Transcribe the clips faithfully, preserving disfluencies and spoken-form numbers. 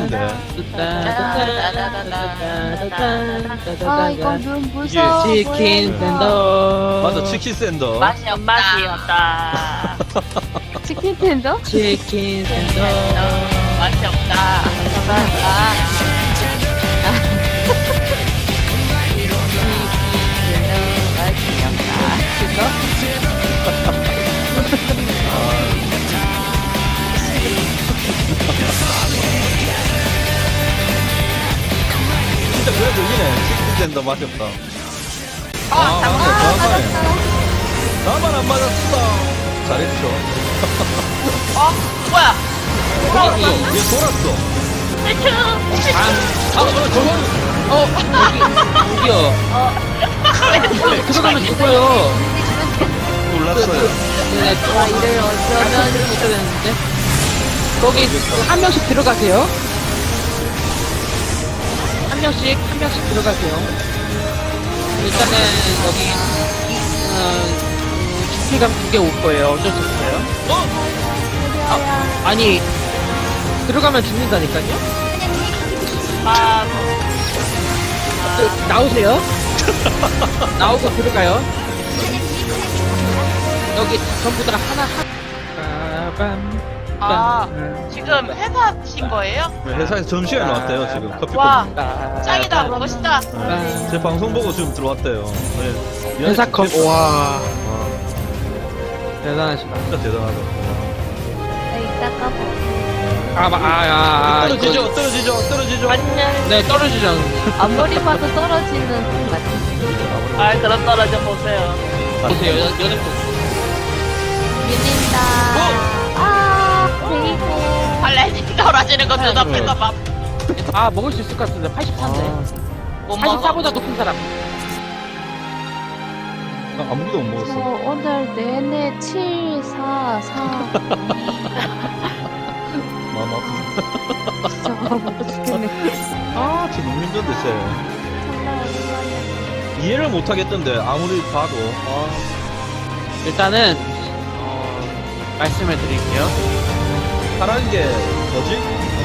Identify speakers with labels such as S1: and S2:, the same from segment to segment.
S1: 땡긴데.
S2: 아 이건 눈 무서워.
S3: 치킨
S2: 보여요.
S3: 샌더.
S1: 맞아, 치킨 샌더.
S4: 맛이 없다. 맛이 없다.
S2: 치킨 텐더?
S3: 치킨 샌더.
S4: 맛이 없다.
S1: 진짜 그래도 이기네. 치킨 샌더 맛이 없다.
S4: 아,
S1: 맞아,
S2: 아
S1: 정확하네.
S2: 맞았어.
S1: 나만 안 맞았어. 잘했죠.
S4: 어? 뭐야?
S1: 돌았어. 얘 돌았어.
S4: 대충.
S3: 아, 아, 어, 저거, 어, 여기, 여기요. 네, 들어가면 죽어요.
S1: 몰랐어요.
S3: 네,
S2: 아 이를 어쩌면
S3: 있어야 되는데. 거기 한 명씩 들어가세요. 한 명씩, 한 명씩 들어가세요. 일단은 여기, 어, 주피감 두 개 올 거예요. 어쩔 수 없어요. 아, 아니, 들어가면 죽는다니까요?
S4: 아,
S3: 그, 나오세요. 나오고 들어가요. 여기 전부 다 하나 하나. 빠밤.
S4: 아,
S3: 빰.
S4: 지금 회사신 거예요?
S1: 네, 회사에서 점심시간에 왔대요, 지금. 커피
S4: 와.
S1: 컵.
S3: 빠-
S4: 짱이다, 멋있다.
S1: 네, 제 방송 보고 지금 들어왔대요. 네.
S3: 회사 컵. 와,
S1: 와,
S3: 대단하시다.
S1: 진짜 대단하다.
S2: 아 이따가 뭐
S3: 아, 마- 아, 아, 아.
S1: 떨어지죠,
S3: 이거-
S1: 떨어지죠, 떨어지죠.
S4: 안녕.
S3: 네, 떨어지죠.
S2: 아무리 봐도 떨어지는 것 같아.
S4: 아, 그럼 떨어져 보세요.
S3: 보세요, 연- 연예포.
S2: 밀린다. 아 베이고.
S4: 발레니 떨어지는 거 눈앞에서 막
S3: 아, 먹을 수 있을 것 같은데, 팔십사인데.
S4: 못 먹어.
S3: 사십사보다 높은 사람.
S1: 아, 아무도 못
S2: 저
S1: 먹었어.
S2: 오늘 내내 칠, 사, 사.
S1: 마음 아프네.
S2: 진짜 먹고 죽겠네.
S1: 아, 진짜 너무 힘든데, 쟤.
S2: 장난 아니야.
S1: 이해를 못 하겠던데, 아무리 봐도. 아,
S3: 일단은, 어, 말씀을 드릴게요.
S1: 파란 게 뭐지?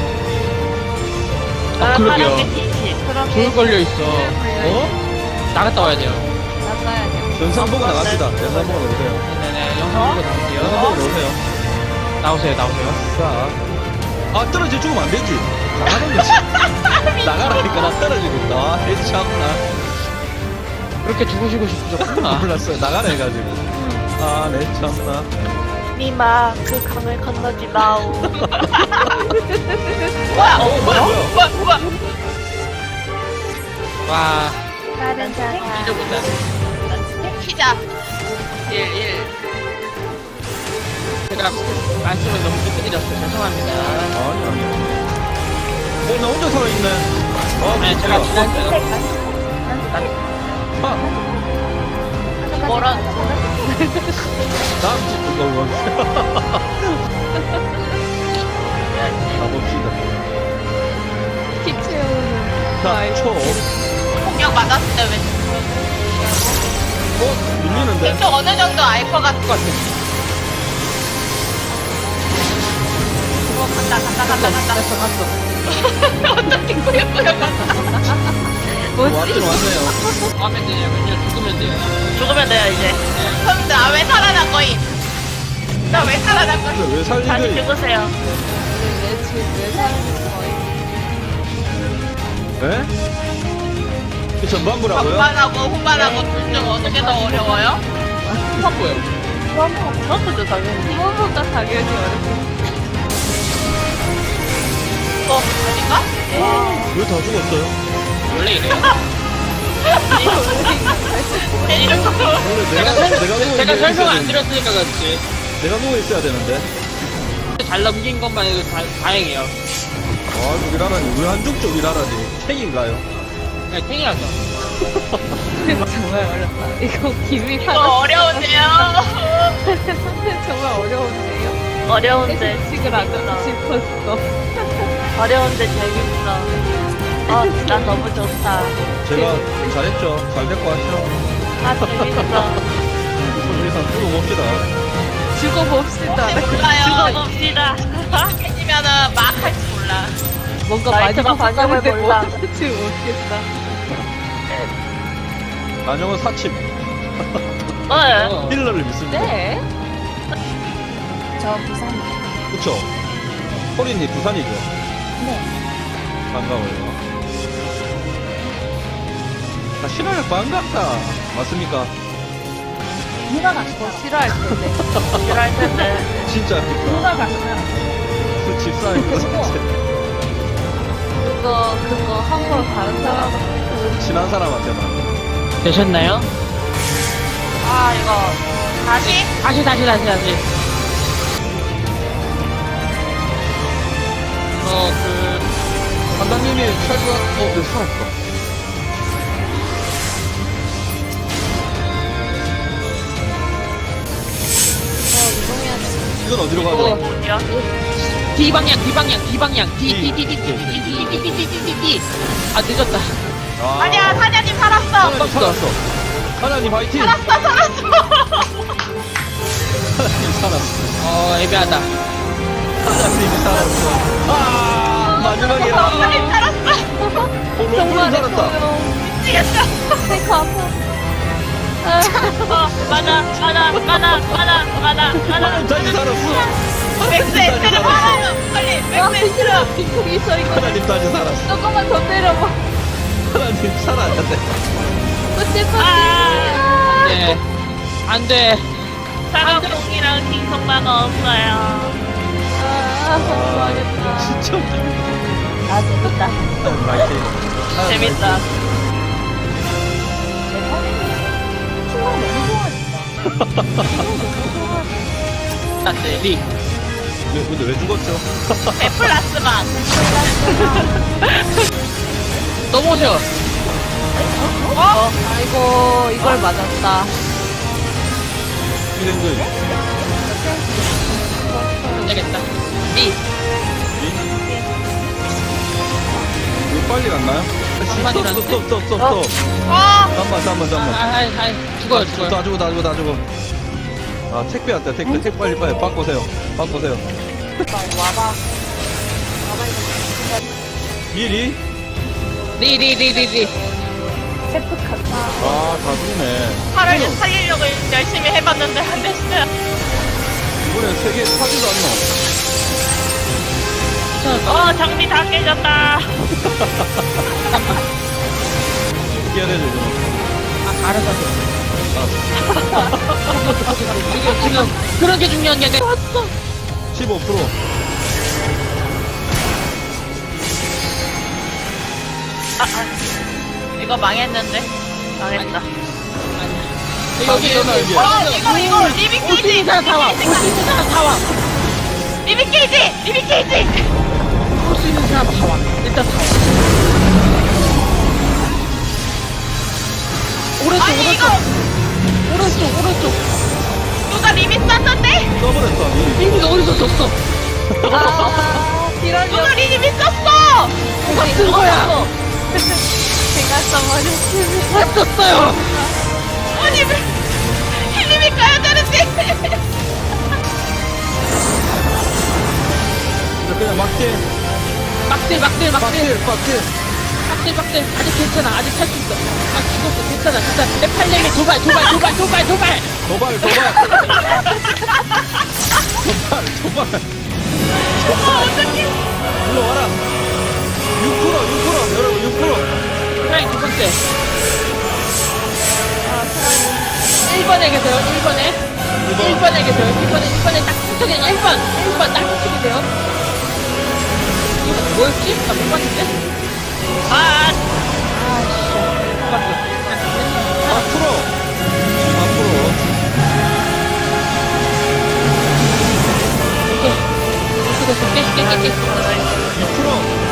S3: 아, 그러게요.
S4: 파란 게 티치.
S2: 그럼
S3: 불 걸려있어.
S1: 어?
S3: 나갔다 와야 돼요.
S2: 나가야 돼.
S1: 영상 보고 나갑시다. 영상 보고 나오세요.
S3: 네네, 영상 보고 나올게요.
S1: 영상 보고 나오세요.
S3: 나오세요, 나오세요.
S1: 자. 아, 떨어져 죽으면 안 되지. 나가는 거지. 나가라니까, 나 떨어지고 있다. 아, 해참나.
S3: 그렇게 죽으시고 싶으셨구나.
S1: 몰랐어요. 나가라 해가지고. 아, 내 참나.
S4: 니마 그 강을 건너지 마오. 뭐야?
S1: 어, 뭐야, 뭐야.
S4: 뭐야? 뭐야?
S3: 와,
S2: 다른 사람.
S3: 잊어본다.
S4: 피자. 일, 일.
S3: 제가 말씀을 너무 늦게 드렸어요. 죄송합니다.
S1: 아니, 아니. 어, 나 혼자 살아있네. 아,
S3: 네, 제가
S1: 진짜.
S3: 지난,
S1: 아,
S4: 뭐라?
S1: 다음 집 그거 원. 가봅시다.
S2: 키 채우는.
S1: 자, 초.
S4: 공격 맞았을 때 왜?
S1: 어? 밀리는데?
S4: 대충 어느 정도 알 것 같은 것 같아. 어, 간다, 간다, 간다, 간다.
S3: 갔어, 갔어.
S4: 어떻게 꾸역꾸역 간다.
S1: 왔긴 왔네요.
S3: 하면 되냐면요, 죽으면 돼요.
S4: 죽으면 돼요, 이제. 그럼 나왜 살아난 거임? 나 왜 살아난 거임?
S1: 근데 왜
S4: 다시
S1: 살리는
S4: 죽으세요.
S2: 왜 지금 왜 사는 거예요?
S1: 에? 그 전반부라고요?
S4: 전반하고 후반하고 둘 중 어느 게 더 어려워요?
S3: 한 거예요.
S4: 그것도 당연히.
S2: 이거보다 당연히 어렵고.
S4: 어, 아닌가?
S1: 왜 다 죽었어요?
S3: 원래 이래요.
S4: 이런 거.
S1: 원래 내가, 내가 누워
S3: 제가
S1: 있어야
S3: 설명 안
S1: 되는데.
S3: 드렸으니까 그렇지.
S1: 내가 누워 있어야 되는데.
S3: 잘 넘긴 것만 해도 다, 다행이에요.
S1: 아, 쪽이라라니. 왜 한쪽 쪽이라라니. 책인가요?
S3: 그냥 탱이라서.
S2: 정말 어렵다. 이거 김이
S4: 이거
S2: 하나
S4: 어려운데요?
S2: 정말 어려운데요.
S4: 어려운데
S2: 식을 안 하고 싶었어.
S4: 어려운데 재밌어. 어, 나 너무 좋다.
S1: 제가 잘했죠. 잘 됐고 하죠.
S4: 아, 재밌어.
S1: 손리상 죽어봅시다.
S2: 죽어봅시다.
S4: 혹시 몰라요. 죽어봅시다. 해지면은 막 할 줄 몰라.
S2: 뭔가 많이
S4: 라이트가 반영을
S2: 바꿨는데
S4: 몰라.
S2: 뭐 어떨지 모르겠다.
S1: 안녕은 사침.
S4: 어.
S1: 힐러를 믿습니다.
S2: 네.
S5: 저 부산.
S1: 그쵸? 호린이 부산이죠?
S5: 네.
S1: 반가워요. 아, 신화를 반갑다. 맞습니까?
S5: 누가
S2: 뭐
S5: 갔어?
S2: 싫어할 텐데.
S4: 싫어할 텐데.
S1: 진짜
S5: 누가
S1: 그니까.
S5: 갔어?
S1: 그 집사니까 진짜.
S2: 그거 그거 함부로 다른 사람
S1: 친한 사람한테만.
S3: 되셨나요?
S4: 아, 이거. 다시?
S3: 다시 다시 다시 다시. 어, 그
S1: 판단님이 철거, 어, 네, 살았다. 이건 어디로 가죠?
S4: 어디야?
S3: D 방향 D 방향 D 방향 D
S1: D.
S3: D D D D D D D D D D D D. 아 늦었다.
S1: 아,
S4: 아니야, 사장님 살았어.
S1: 하나님 살았어. 하나님 화이팅!
S4: 살았어, 살았어.
S1: 하나님 살았어.
S3: 어 애매하다.
S1: 하나님이 살았어. 아, 마지막이야.
S4: 사장님 살았어.
S1: 어, 롱블
S2: 정말
S1: 살았다.
S4: 미치겠다.
S2: 테이크 아파.
S4: 어, 맞아, 맞아, 맞아, 맞아, 맞아, 맞아.
S1: 하나님 다시 살았어.
S4: 맥스 X를 팔아요. 빨리,
S2: 와
S4: 맥스 X를.
S2: 힘들어. 빅폭이 있어 이거.
S1: 하나님 다시 살았어.
S2: 조금만 더 때려봐.
S1: 하나님 살았는데.
S2: 끝이
S4: 아.
S2: 끝이.
S3: 네. 안 돼.
S4: 사과봉이랑 킹성만 없어요.
S2: 아 망했다.
S1: 진짜 웃기네.
S5: 아, 재밌다.
S1: 하나님 화이팅. 하나님
S4: 재밌다.
S1: 화이팅.
S5: 충성 너무 좋아진다. 너무 좋아.
S3: 나 때리.
S1: 왜, 근데 왜 죽었죠?
S4: 에플라스만.
S3: 넘어져.
S4: 어?
S2: 아이고 이걸 맞았다.
S1: 이랜드.
S3: 안 되겠다. D.
S1: 왜 빨리 갔나요?
S3: 한마디로
S1: 스톱, 스톱, 스톱, 스톱,
S4: 어?
S1: 스톱. 잠깐만, 잠깐만, 잠깐만.
S3: 아아아 죽어요 죽어요.
S1: 다 주고, 다 주고, 다 주고. 아, 택배 왔다, 택배. 택배 빨리, 빨리. 바꾸세요. 바꾸세요.
S5: 와봐.
S1: 미리?
S3: 리리리리리.
S5: 세프 갔다.
S1: 아, 다 죽네.
S4: 팔을 살리려고 열심히 해봤는데 안 됐어요.
S1: 이번에 세 개 사지도 않노?
S4: 어, 장비 다 깨졌다.
S1: 어떻게 해야 되죠, 이거?
S3: 아 알아서 해.
S1: 알았어.
S3: 이게 지금 그런 게 중요한 게 아니라 왔어.
S1: 십오 퍼센트.
S4: 아, 아. 이거 망했는데. 망했다.
S3: 아니야.
S1: 여기,
S3: 여기 여기.
S1: 여기.
S4: 어, 이거, 이거, 리빙
S3: 올수
S4: 케이지.
S3: 있는 사람 다 와. 올 수 있는 사람 다 와.
S4: 리빙 케이지. 리빙 케이지.
S3: 올 수 있는 사람 다 와. 일단 다 와. 오른쪽
S4: 아니, 이거,
S3: 오른쪽 오른쪽 오른쪽.
S4: 누가 리빙 쐈는데?
S1: 써버렸어, 미리.
S3: 이미 어디서 졌어?
S2: 아 이런
S4: 누가 리빙 쐈어?
S3: 누가 쓴 거야?
S2: 제가 써버렸습니다.
S3: 다 썼어요.
S4: 아니, 왜, 리빙 가야 되는데.
S1: 그냥 막대.
S3: 막딜 막딜 막딜
S1: 막대, 막대.
S3: 막딜 막딜. 아직 괜찮아. 아직 할 수 있어. 아 죽었어. 괜찮아 괜찮아. 내 팔렘이 도발 도발 도발 도발 도발.
S1: 도발, 도발. 도발, 도발. 일로 와라. 육 퍼센트, 육 퍼센트. 여러분, 육 퍼센트.
S3: 프라이 두 번째. 일 번에 계세요. 일 번에. 일 번에 계세요. 일 번에 일 번에 딱 붙여게 일 번. 일 번 딱 붙이게 돼요. 이거 뭐였지? 나 못 봤는데.
S4: 아,
S3: 못 봤어.
S1: 앞으로. 앞으로.
S3: 오케이. 됐어 됐어. 깨, 깨, 깨, 깨.
S1: 육 퍼센트.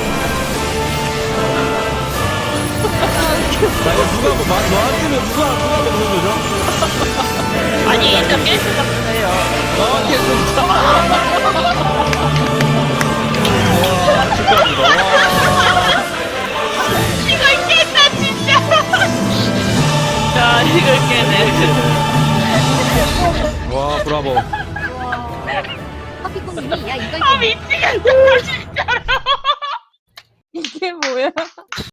S1: 나 이거 누가 뭐, 마- 너한테는 누가, 누가 먹는 거죠?
S4: 아니, 일단 깰 수가 없어요.
S1: 너한테 진짜. 와, 축하합니다. 와.
S4: 이걸 깼다, 진짜. 야, 이걸 깨네.
S1: 와, 브라보.
S5: 커피콩님이 야 이거
S4: 아, 미치겠다, 진짜로.
S3: 이게 뭐야?